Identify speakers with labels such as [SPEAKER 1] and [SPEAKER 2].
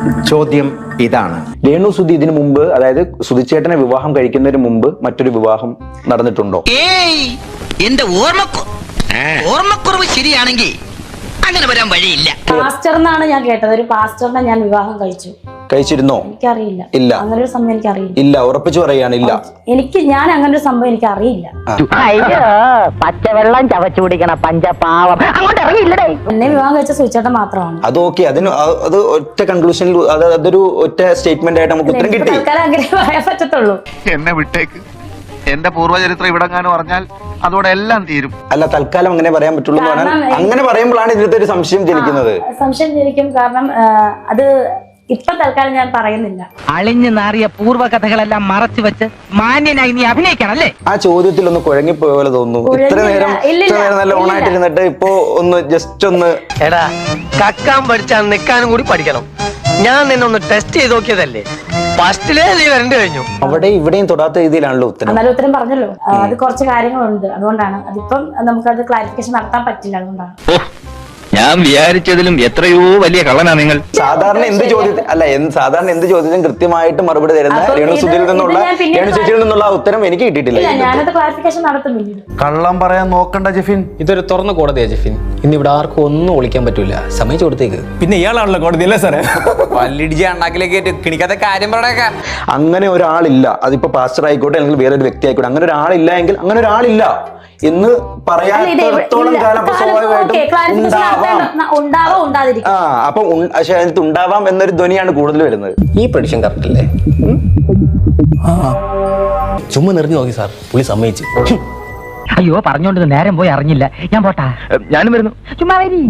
[SPEAKER 1] ചോദ്യം ഇതാണ്,
[SPEAKER 2] രേണു സുധി ഇതിനു മുമ്പ്, അതായത് സുധിച്ചേട്ടനെ വിവാഹം കഴിക്കുന്നതിന് മുമ്പ് മറ്റൊരു വിവാഹം നടന്നിട്ടുണ്ടോ?
[SPEAKER 3] ഏയ്, എന്റെ ഓർമ്മക്കുറവ് ശരിയാണെങ്കിൽ അങ്ങനെ വരാൻ വഴിയില്ല.
[SPEAKER 4] പാസ്റ്റർ എന്നാണ് ഞാൻ കേട്ടത്. ഒരു പാസ്റ്ററിനെ ഞാൻ വിവാഹം
[SPEAKER 2] കഴിച്ചിരുന്നോ?
[SPEAKER 4] എനിക്കറിയില്ല.
[SPEAKER 2] ഇല്ല.
[SPEAKER 4] അങ്ങനെ ഒരു സംഭവം എനിക്കറിയില്ല.
[SPEAKER 2] ഇല്ല, ഉറപ്പിച്ചു പറയാണ് ഇല്ല.
[SPEAKER 4] ഞാൻ അങ്ങനെ ഒരു സംഭവം എനിക്ക് അറിയില്ല.
[SPEAKER 5] അയ്യോ, പച്ചവെള്ളം ചവച്ചു കുടിക്കണ പഞ്ചപാവം അങ്ങോട്ട് ഇറങ്ങിയില്ലടേ.
[SPEAKER 4] എന്നെ വിവാഹം കഴിച്ച സുചേട്ടൻ മാത്രമാണ്.
[SPEAKER 2] അത് ഓക്കെ, അത് ഒറ്റ കൺക്ലൂഷനിൽ, അതൊരു ഒറ്റ സ്റ്റേറ്റ്മെന്റ് ആയിട്ട് നമുക്ക് ഉത്തരം കിട്ടി.
[SPEAKER 4] അങ്ങനെ പറയാൻ പറ്റത്തുള്ളൂ.
[SPEAKER 6] എന്നെ വിട്ടേക്ക്, എന്റെ പൂർവ്വചരിത്രം ഇവിടെങ്ങാനും പറഞ്ഞാൽ അതോടെ എല്ലാം തീരും.
[SPEAKER 2] അല്ല, തൽക്കാലം അങ്ങനെ പറയാൻ പറ്റുള്ളൂ എന്ന് പറഞ്ഞാൽ, അങ്ങനെ പറയുമ്പോഴാണ് ഇതിനകത്ത് ഒരു സംശയം ജനിക്കുന്നത്.
[SPEAKER 4] സംശയം ജനിക്കും. കാരണം അത് ഇപ്പൊ തൽക്കാലം ഞാൻ പറയുന്നില്ല.
[SPEAKER 5] അളിഞ്ഞു നാറിയ പൂർവ്വകഥകളെല്ലാം മറച്ചു വെച്ച് മാന്യനായി നീ അഭിനയിക്കണല്ലേ?
[SPEAKER 2] ആ ചോദ്യത്തിൽ ഒന്ന് കുഴങ്ങിപ്പോയ പോലെ തോന്നുന്നു. ഇത്ര നേരം നല്ല ഓണായിട്ടിരുന്നിട്ട് ഇപ്പൊ ഒന്ന് ജസ്റ്റ് ഒന്ന്,
[SPEAKER 7] എടാ, കക്കാൻ പഠിച്ചാൽ നിൽക്കാനും കൂടി പഠിക്കണം. ഞാൻ നിന്നൊന്ന് ടെസ്റ്റ് ചെയ്ത് നോക്കിയതല്ലേ, ഫസ്റ്റിലേ നീ വരണ്ടു കഴിഞ്ഞു.
[SPEAKER 2] അവിടെ ഇവിടെയും തൊടാത്ത രീതിയിലാണല്ലോ ഉത്തരം.
[SPEAKER 4] എന്നാലും ഉത്തരം പറഞ്ഞല്ലോ. അത് കുറച്ച് കാര്യങ്ങളുണ്ട്, അതുകൊണ്ടാണ്. അതിപ്പം നമുക്കത് ക്ലാരിഫിക്കേഷൻ നടത്താൻ പറ്റില്ല, അതുകൊണ്ടാണ്.
[SPEAKER 8] ഞാൻ വിചാരിച്ചതിലും എത്രയോ വലിയ കള്ളനാ നിങ്ങൾ.
[SPEAKER 2] സാധാരണ എന്ത് ചോദ്യത്തിനും കൃത്യമായിട്ട് മറുപടി തരുന്ന രേണു സുധിയിൽ നിന്നുള്ള, രേണു ചേച്ചിയിൽ നിന്നുള്ള ഉത്തരം എനിക്ക് കിട്ടിയിട്ടില്ല.
[SPEAKER 4] ഞാനത് ക്ലാരിഫിക്കേഷൻ നടത്തും പിന്നീട്.
[SPEAKER 1] കള്ളം പറയാൻ നോക്കണ്ട ജെഫിൻ.
[SPEAKER 9] ഇതൊരു തുറന്ന കോടതിയാ ജെഫിൻ. ഇന്ന് ഇവിടെ ആർക്കും ഒന്നും ഒളിക്കാൻ പറ്റൂല. സമ്മതിച്ചു കൊടുത്തേക്ക്.
[SPEAKER 10] പിന്നെ ഇയാളാണല്ലോ കോടതി അല്ലേ സാറേ?
[SPEAKER 9] പല്ലിടിച്ച് അണ്ണാക്കിലേക്ക് കിണിക്കാത്ത കാര്യം പറഞ്ഞേക്കാം.
[SPEAKER 2] അങ്ങനെ ഒരാളില്ല. അതിപ്പോ പാസ്റ്റർ ആയിക്കോട്ടെ, അല്ലെങ്കിൽ വേറൊരു വ്യക്തി ആയിക്കോട്ടെ, അങ്ങനെ ഒരാളില്ല എങ്കിൽ അങ്ങനെ ഒരാളില്ല എന്ന് പറയാത്തോളം കാലം അപ്പൊ അതിനകത്ത് ഉണ്ടാവാം എന്നൊരു ധ്വനിയാണ് കൂടുതൽ വരുന്നത്.
[SPEAKER 9] ഈ പ്രഡിക്ഷൻ കറക്റ്റ് അല്ലേ? ചുമ്മാ നിറഞ്ഞു നോക്കി സാർ, പുള്ളി സമ്മതിച്ചു.
[SPEAKER 5] അയ്യോ, പറഞ്ഞോണ്ട് നേരം പോയി അറിഞ്ഞില്ല. ഞാൻ പോട്ടാ.
[SPEAKER 8] ഞാനും വരുന്നു.
[SPEAKER 5] ചുമ്മാ വരി.